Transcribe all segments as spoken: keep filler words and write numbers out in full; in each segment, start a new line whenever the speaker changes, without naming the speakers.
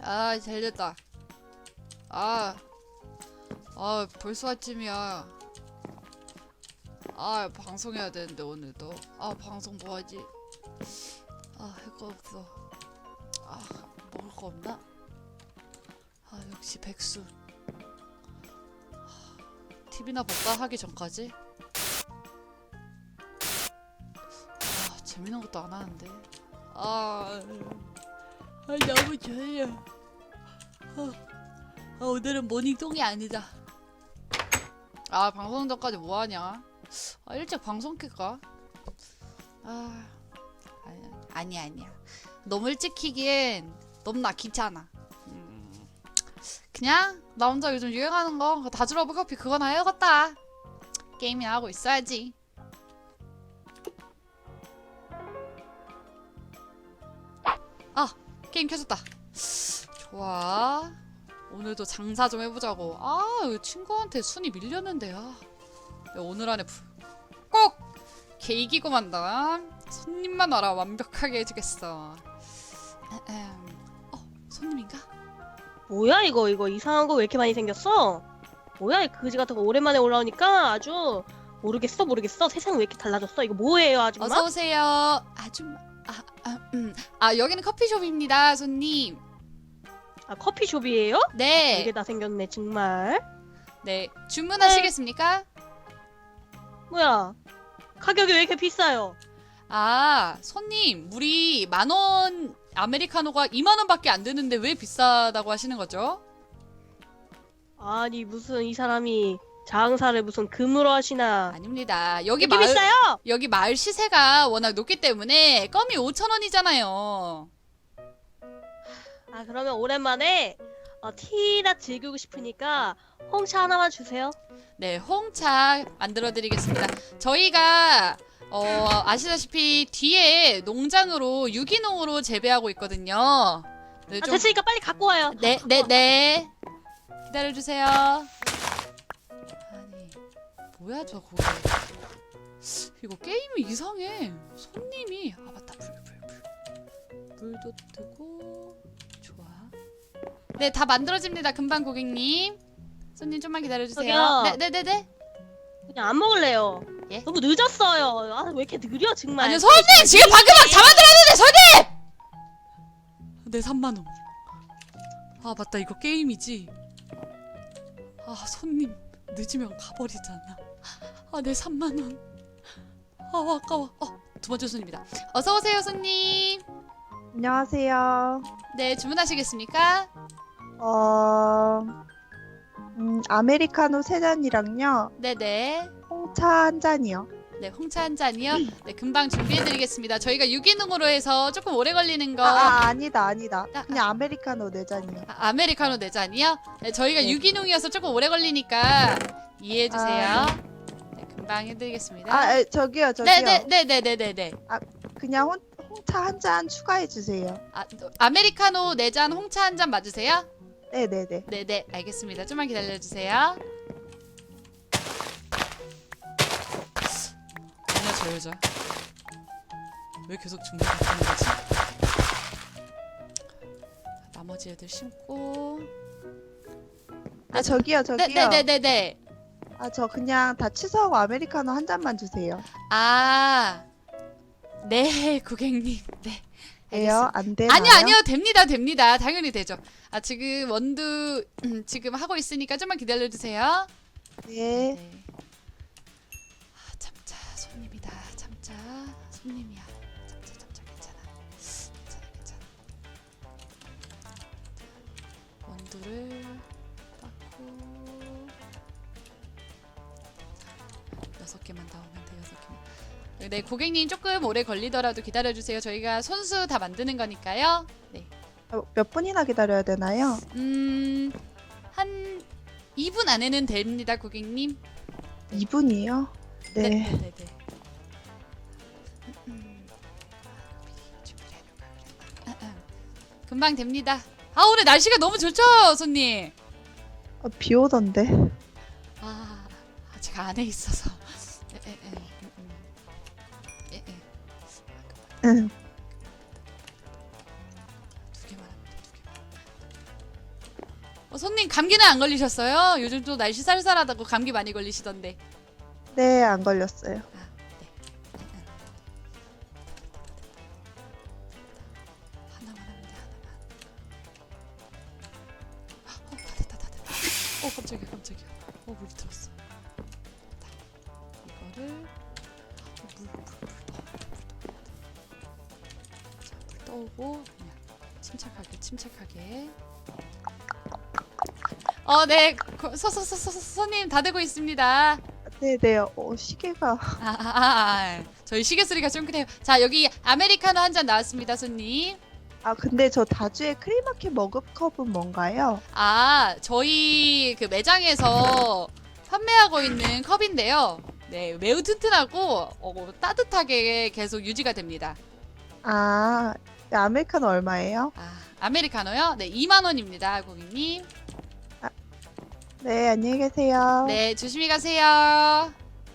아, 잘 됐다. 아, 아, 벌써 아침이야. 아, 방송해야 되는데, 오늘도. 아, 방송 뭐 하지? 아, 할 거 없어. 아, 먹을 거 없나? 아, 역시 백수. 티비나 볼까? 하기 전까지? 아, 재밌는 것도 안 하는데. 아, 아 너무 졸려. 아, 아, 오늘은 모닝통이 아니다. 아, 방송 전까지 뭐 하냐? 아, 일찍 방송 킬까? 아, 아니야, 아니야, 아니야. 너무 일찍 키기엔 너무나 귀찮아. 음, 그냥 나 혼자 요즘 유행하는 거 다즈러브 커피 그거나 해야겠다. 게임이나 하고 있어야지. 아, 게임 켜졌다. 좋아. 오늘도 장사 좀 해보자고. 아, 친구한테 순위 밀렸는데. 아, 내가 오늘 안에 꼭 걔 이기고 만다. 손님만 와라. 완벽하게 해주겠어. 어, 손님인가?
뭐야 이거 이거 이상한 거 왜 이렇게 많이 생겼어? 뭐야 이 그지 같은 거 오랜만에 올라오니까 아주 모르겠어 모르겠어. 세상 왜 이렇게 달라졌어? 이거 뭐예요 아줌마?
어서 오세요. 아줌마. 아, 아, 음. 아, 여기는 커피숍입니다, 손님.
아 커피숍이에요?
네.
이게 다 생겼네 정말.
네. 주문하시겠습니까?
뭐야 가격이 왜 이렇게 비싸요?
아, 손님, 물이 만 원, 아메리카노가 이만 원밖에 안 되는데 왜 비싸다고 하시는 거죠?
아니 무슨 이 사람이 장사를 무슨 금으로 하시나?
아닙니다. 여기
이게
마을,
비싸요?
여기 마을 시세가 워낙 높기 때문에 껌이 오천 원이잖아요.
아 그러면 오랜만에 어, 티나 즐기고 싶으니까 홍차 하나만 주세요.
네, 홍차 만들어 드리겠습니다. 저희가 어, 아시다시피 뒤에 농장으로 유기농으로 재배하고 있거든요. 네,
아
좀-
됐으니까 빨리 갖고 와요.
네, 네, 네. 기다려 주세요. 아니, 뭐야 저 고기. 이거 게임이 이상해. 손님이 아 맞다. 불, 불, 불. 불도 뜨고 좋아. 네, 다 만들어집니다. 금방 고객님. 손님 좀만 기다려 주세요.
저기요.
네, 네, 네, 네.
그냥 안 먹을래요.
예?
너무 늦었어요. 아 왜 이렇게 느려 정말.
아니요, 손님 지금 방금 막 다 만들었는데 손님. 네, 삼만 원. 아, 맞다. 이거 게임이지. 아, 손님 늦으면 가버리잖아. 아, 네, 삼만 원. 아, 아까워. 어, 두 번째 손님이다. 어서 오세요, 손님.
안녕하세요.
네, 주문하시겠습니까?
어, 음, 아메리카노 세 잔이랑요,
네, 네.
홍차 한 잔이요.
네, 홍차 한 잔이요. 네, 금방 준비해드리겠습니다. 저희가 유기농으로 해서 조금 오래 걸리는 거.
아, 아, 아니다, 아니다.
아,
그냥 아메리카노 네 잔이요.
아, 아메리카노 네 잔이요? 네, 저희가
네.
유기농이어서 조금 오래 걸리니까 이해해주세요.
아,
네, 금방 해드리겠습니다.
아, 에, 저기요, 저기요.
네네네네네네.
그냥 홍, 홍차 한 잔 추가해 주세요.
아, 아메리카노 네 잔, 홍차 한 잔 맞으세요?
네네네.
네네, 알겠습니다. 좀만 기다려주세요. 뭐냐 저 여자. 왜 계속 중간에 가는 거지? 나머지 애들 심고.
아, 저기요, 저기요.
네네네네네.
아, 저 그냥 다 취소하고 아메리카노 한 잔만 주세요.
아, 네, 고객님. 네.
돼요? 안 되나요?
아니요, 아니요, 됩니다, 됩니다. 당연히 되죠. 아, 지금 원두 음, 지금 하고 있으니까 좀만 기다려주세요.
네.
네. 아, 참자, 손님이다. 참자, 손님이야. 참자, 참자, 괜찮아. 괜찮아, 괜찮아. 원두를 빻고 여섯 개만 더 오면 돼, 여섯 개만. 네, 고객님 조금 오래 걸리더라도 기다려주세요. 저희가 손수 다 만드는 거니까요. 네.
어, 몇 분이나 기다려야 되나요?
음, 한 이 분 안에는 됩니다, 고객님.
이 분이요? 네.
네, 네, 네. 음, 준비를 해놓을까 그랬나? 아, 아. 금방 됩니다. 아, 오늘 날씨가 너무 좋죠, 손님.
어, 비 오던데.
아, 아, 제가 안에 있어서. 에, 에, 에, 음, 음. 에, 에.
응.
두 개만 하면 돼, 두 개만. 손님 감기는 안 걸리셨어요? 요즘 또 날씨 쌀쌀하다고 감기 많이 걸리시던데.
네, 안 걸렸어요.
아, 네. 하나만 하면 돼, 하나만. 어, 다 됐다, 다 됐다. 어, 깜짝이야, 깜짝이야. 어, 물이 들었어. 됐다. 이거를 어, 물, 물, 물, 어, 물, 자, 물 떠오고 그냥 침착하게, 침착하게. 어, 네, 고- 서, 서, 서, 서, 손님 다 되고 있습니다.
네, 네. 어, 시계가
아, 아, 아, 아. 저희 시계 소리가 좀 크네요. 자, 여기 아메리카노 한 잔 나왔습니다, 손님.
아, 근데 저 다주의 크리마켓 머그컵은 뭔가요?
아, 저희 그 매장에서 판매하고 있는 컵인데요. 네, 매우 튼튼하고 어, 따뜻하게 계속 유지가 됩니다.
아, 네, 아메리카노 얼마예요?
아, 아메리카노요? 네, 이만 원입니다, 고객님.
네, 안녕히 계세요.
네, 조심히 가세요.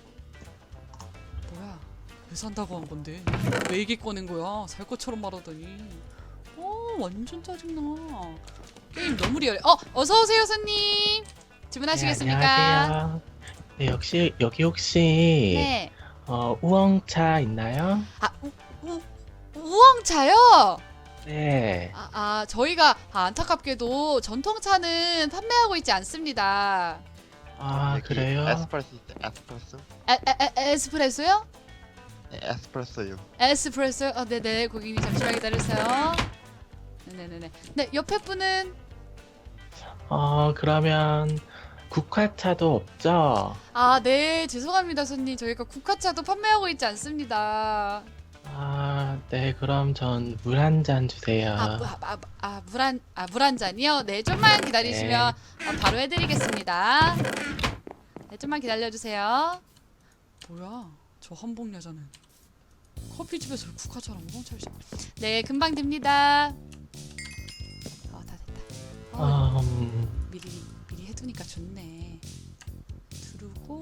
뭐야? 왜 산다고 한 건데? 왜 얘기 꺼낸 거야? 살 것처럼 말하더니. 어, 완전 짜증나. 게임 너무 리얼해. 어, 어서 오세요, 손님. 주문하시겠습니까?
네, 안녕하세요. 네, 역시 여기 혹시
네.
어, 우엉차 있나요?
아, 우, 우, 우엉차요?
네.
아, 아, 저희가 아, 안타깝게도 전통차는 판매하고 있지 않습니다.
아,
여기
그래요?
에스프레소 있대, 에스프레소?
에, 에, 에, 에스프레소요?
네, 에스프레소요.
에스프레소? 어, 네네, 고객님 잠시만 기다려주세요. 네네네네. 네, 옆에 분은
어, 그러면 국화차도 없죠?
아, 네, 죄송합니다, 손님. 저희가 국화차도 판매하고 있지 않습니다.
아, 네, 그럼 전 물 한 잔 주세요.
아, 무- 아, 아, 아, 물 한, 아, 물 한 잔이요? 네, 좀만 기다리시면 아, 바로 해드리겠습니다. 네, 좀만 기다려주세요. 뭐야, 저 한복 여자는 커피집에서 국화차랑 우엉차를 시 네, 금방 됩니다. 어, 다 됐다. 어,
음,
미리 미리 해두니까 좋네. 두르고.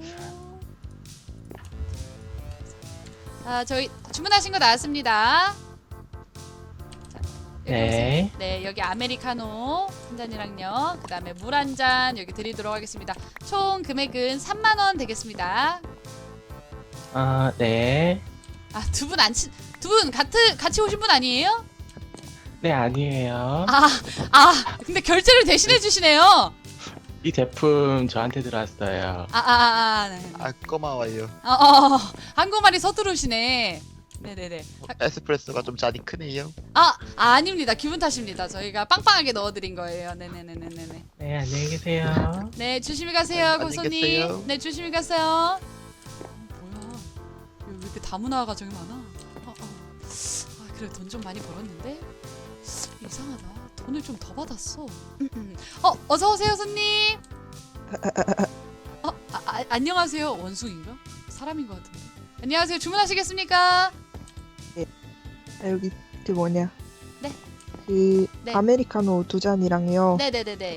아, 저희 주문하신 거 나왔습니다. 자, 여기
네.
보세요. 네, 여기 아메리카노 한 잔이랑요. 그다음에 물 한 잔 여기 드리도록 하겠습니다. 총 금액은 삼만 원 되겠습니다.
아, 네.
아, 두 분 안 친, 두 분 같이 같이 오신 분 아니에요?
네, 아니에요.
아, 아, 근데 결제를 대신해 주시네요.
이 제품 저한테 들어왔어요.
아, 아, 아, 아, 네.
아, 고마워요.
어, 어, 어, 한국말이 서투르시네. 네네네.
에스프레소가 좀 잔이 크네요.
아, 아, 아닙니다. 기분 탓입니다. 저희가 빵빵하게 넣어드린 거예요. 네네네네네.
네, 안녕히 계세요.
네, 조심히 가세요,
네, 안녕히
고소님.
계세요.
네, 조심히 가세요. 어, 뭐야? 왜 이렇게 다문화가 저기 많아? 어, 어. 아, 그래 돈 좀 많이 벌었는데 이상하다. 돈을 좀 더 받았어. 어, 어서 오세요, 손님. 어, 아, 아, 안녕하세요. 원숭인가? 사람인 것 같은데. 안녕하세요. 주문하시겠습니까?
아, 여기 그 뭐냐?
네.
그
네.
아메리카노 두 잔이랑요.
네네네네.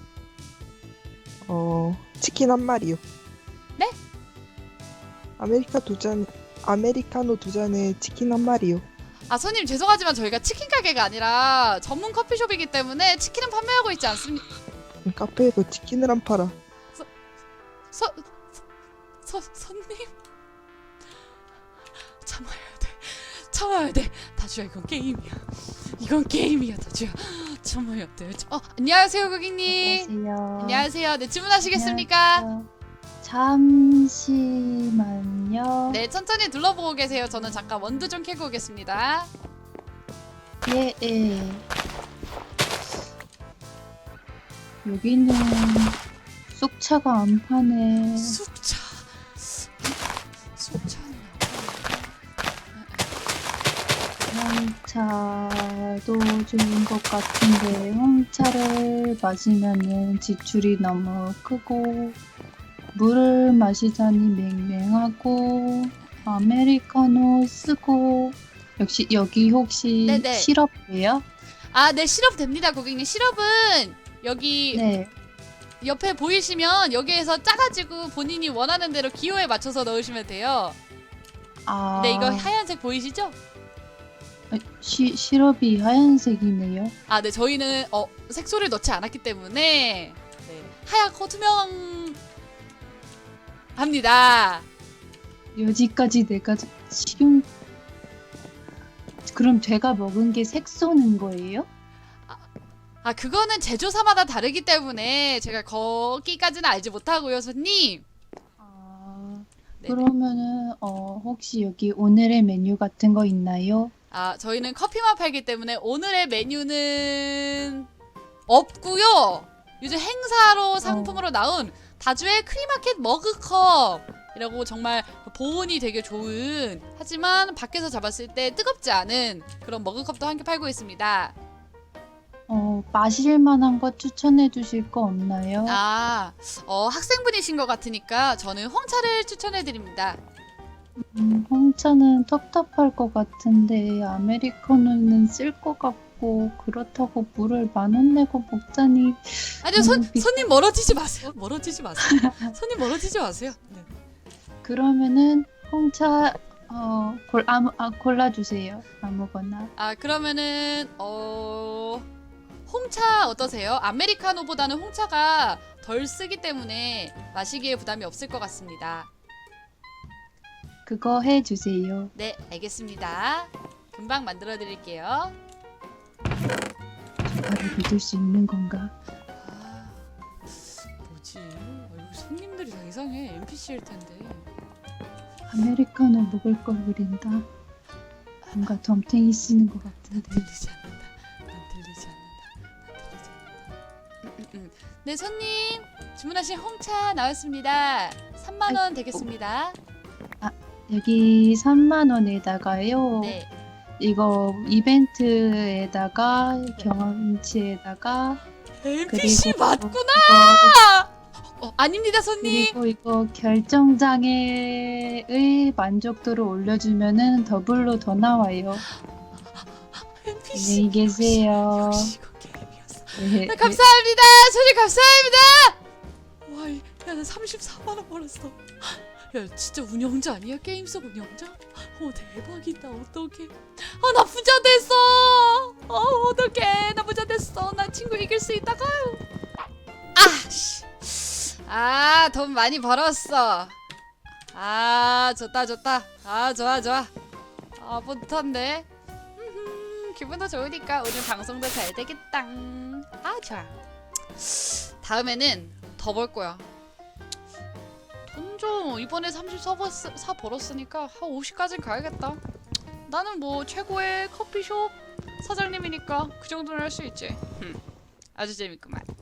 어 치킨 한 마리요.
네?
아메리카 두 잔, 아메리카노 두 잔에 치킨 한 마리요.
아, 손님 죄송하지만 저희가 치킨 가게가 아니라 전문 커피숍이기 때문에 치킨은 판매하고 있지 않습니다.
카페에서 치킨을 안 팔아.
서, 서, 손님? 참아야 돼. 참아야 돼. 다주야, 이건 게임이야. 이건 게임이야, 다주야. 참아야 돼. 어, 안녕하세요, 고객님.
안녕하세요.
안녕하세요. 네, 주문하시겠습니까?
안녕하세요. 잠시만요.
네, 천천히 둘러보고 계세요. 저는 잠깐 원두 좀 캐고 오겠습니다.
예, 예. 여기는 쑥차가 안 파네.
쑥차. 쑥차는
홍차도 좋은 것 같은데 홍차를 마시면은 지출이 너무 크고 물을 마시자니 맹맹하고 아메리카노 쓰고 역시 여기 혹시
네네.
시럽이에요?
아, 네, 시럽 됩니다, 고객님. 시럽은 여기
네.
옆에 보이시면 여기에서 짜가지고 본인이 원하는 대로 기호에 맞춰서 넣으시면 돼요.
아.
네, 이거 하얀색 보이시죠?
아, 시, 시럽이 하얀색이네요.
아, 네, 저희는 어, 색소를 넣지 않았기 때문에 네, 하얗고 투명합니다.
여지까지 내가 식용 그럼 제가 먹은 게 색소는 거예요?
아, 그거는 제조사마다 다르기 때문에 제가 거기까지는 알지 못하고요, 손님.
아,
네네.
그러면은 어 혹시 여기 오늘의 메뉴 같은 거 있나요?
아, 저희는 커피만 팔기 때문에 오늘의 메뉴는 없고요. 요즘 행사로 상품으로 나온 다주의 크리마켓 머그컵이라고 정말 보온이 되게 좋은, 하지만 밖에서 잡았을 때 뜨겁지 않은 그런 머그컵도 함께 팔고 있습니다.
어 마실 만한 거 추천해 주실 거 없나요?
아, 어, 학생분이신 것 같으니까 저는 홍차를 추천해 드립니다.
음, 홍차는 텁텁할 것 같은데 아메리카노는 쓸 것 같고 그렇다고 물을 만 원 내고 먹자니
아니요, 손,
너무 비싸.
손님 멀어지지 마세요. 멀어지지 마세요. 손님 멀어지지 마세요. 네.
그러면은 홍차 어 골, 아무, 아, 골라주세요. 아무거나.
아, 그러면은 어 홍차 어떠세요? 아메리카노보다는 홍차가 덜 쓰기 때문에 마시기에 부담이 없을 것 같습니다.
그거 해주세요.
네, 알겠습니다. 금방 만들어 드릴게요.
저를 믿을 수 있는 건가?
아, 뭐지? 아, 여기 손님들이 다 이상해. 엔피씨일 텐데.
아메리카노 먹을 걸 그린다. 뭔가 덤탱이 쓰는 것
난
같은데.
들리지 않는다. 난 들리지 않는다. 난 들리지 않는다. 음, 음, 음. 네, 손님 주문하신 홍차 나왔습니다. 삼만 원 되겠습니다.
여기 삼만 원에다가요.
네.
이거 이벤트에다가 경험치에다가
엔피씨
그리고
맞구나. 어, 아닙니다, 손님.
그리고 이거 결정장애의 만족도를 올려주면은 더블로 더 나와요.
엔피씨.
안녕히 계세요.
역시 이거 게임이었어.
네,
네, 감사합니다. 손님 감사합니다. 와, 이- 야, 나 삼십사만 원 벌었어. 야, 진짜 운영자 아니야? 게임 속 운영자? 어, 대박이다. 어떡해. 아, 나 부자 됐어. 어, 어떡해. 나 부자 됐어. 나 친구 이길 수 있다가. 아, 씨. 아, 돈 많이 벌었어. 아, 좋다, 좋다. 아, 좋아, 좋아. 아, 뿌듯한데. 음, 기분도 좋으니까 오늘 방송도 잘 되겠다. 아, 좋아. 다음에는 더 벌 거야. 돈 좀 이번에 삼십사 벌었으니까 한 오십까지는 가야겠다. 나는 뭐 최고의 커피숍 사장님이니까 그 정도는 할 수 있지. 흠, 아주 재밌구만.